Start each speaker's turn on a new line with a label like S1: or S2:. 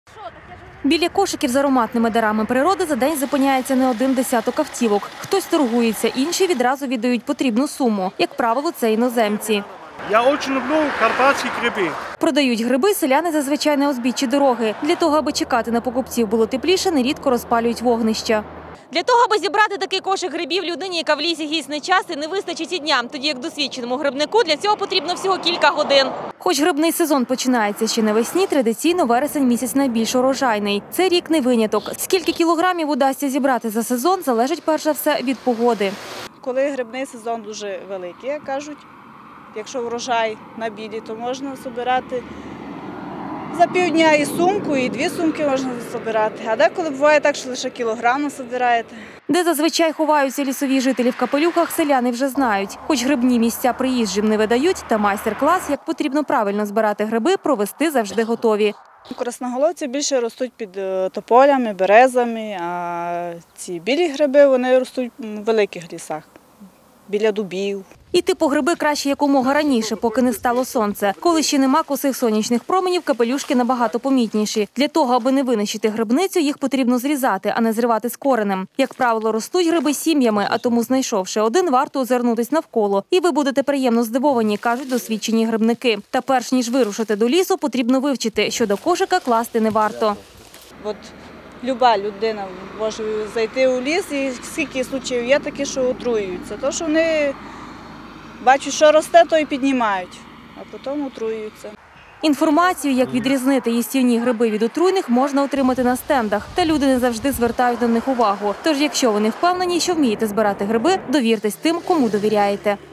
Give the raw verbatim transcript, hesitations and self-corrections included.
S1: Біля кошиків з ароматними дарами природи за день зупиняється не один десяток автівок. Хтось торгується, інші відразу віддають потрібну суму. Як правило, це іноземці.
S2: Я дуже люблю карпатські гриби.
S1: Продають гриби селяни зазвичай на узбіччі дороги. Для того, аби чекати на покупців було тепліше, нерідко розпалюють вогнища. Для того, аби зібрати такий кошик грибів людині, яка в лісі гісне часто, не вистачить і дня. Тоді як досвідченому грибнику для цього потрібно всього кілька годин. Хоч грибний сезон починається ще навесні, традиційно вересень місяць найбільш урожайний. Цей рік не виняток. Скільки кілограмів удасться зібрати за сезон, залежить перш за все від погоди.
S3: Коли грибний сезон дуже великий, як кажуть, якщо врожай на білі, то можна збирати за півдня і сумку, і дві сумки можна збирати. А деколи буває так, що лише кілограм збираєте.
S1: Де зазвичай ховаються лісові жителі в капелюхах, селяни вже знають. Хоч грибні місця приїжджим не видають, та майстер-клас, як потрібно правильно збирати гриби, провести завжди готові.
S3: Красноголовці більше ростуть під тополями, березами, а ці білі гриби вони ростуть в великих лісах, біля дубів.
S1: Іти по гриби краще якомога раніше, поки не стало сонце. Коли ще нема косих сонячних променів, капелюшки набагато помітніші. Для того, аби не винищити грибницю, їх потрібно зрізати, а не зривати з коренем. Як правило, ростуть гриби сім'ями, а тому, знайшовши один, варто озирнутись навколо. І ви будете приємно здивовані, кажуть досвідчені грибники. Та перш ніж вирушити до лісу, потрібно вивчити, що до кошика класти не варто.
S3: От люба людина може зайти у ліс, і скільки случаїв є такі, що отруюються. То, що вони бачать, що росте, то і піднімають, а потім отруюються.
S1: Інформацію, як відрізнити їстівні гриби від отруйних, можна отримати на стендах. Та люди не завжди звертають на них увагу. Тож, якщо вони впевнені, що вмієте збирати гриби, довіртесь тим, кому довіряєте.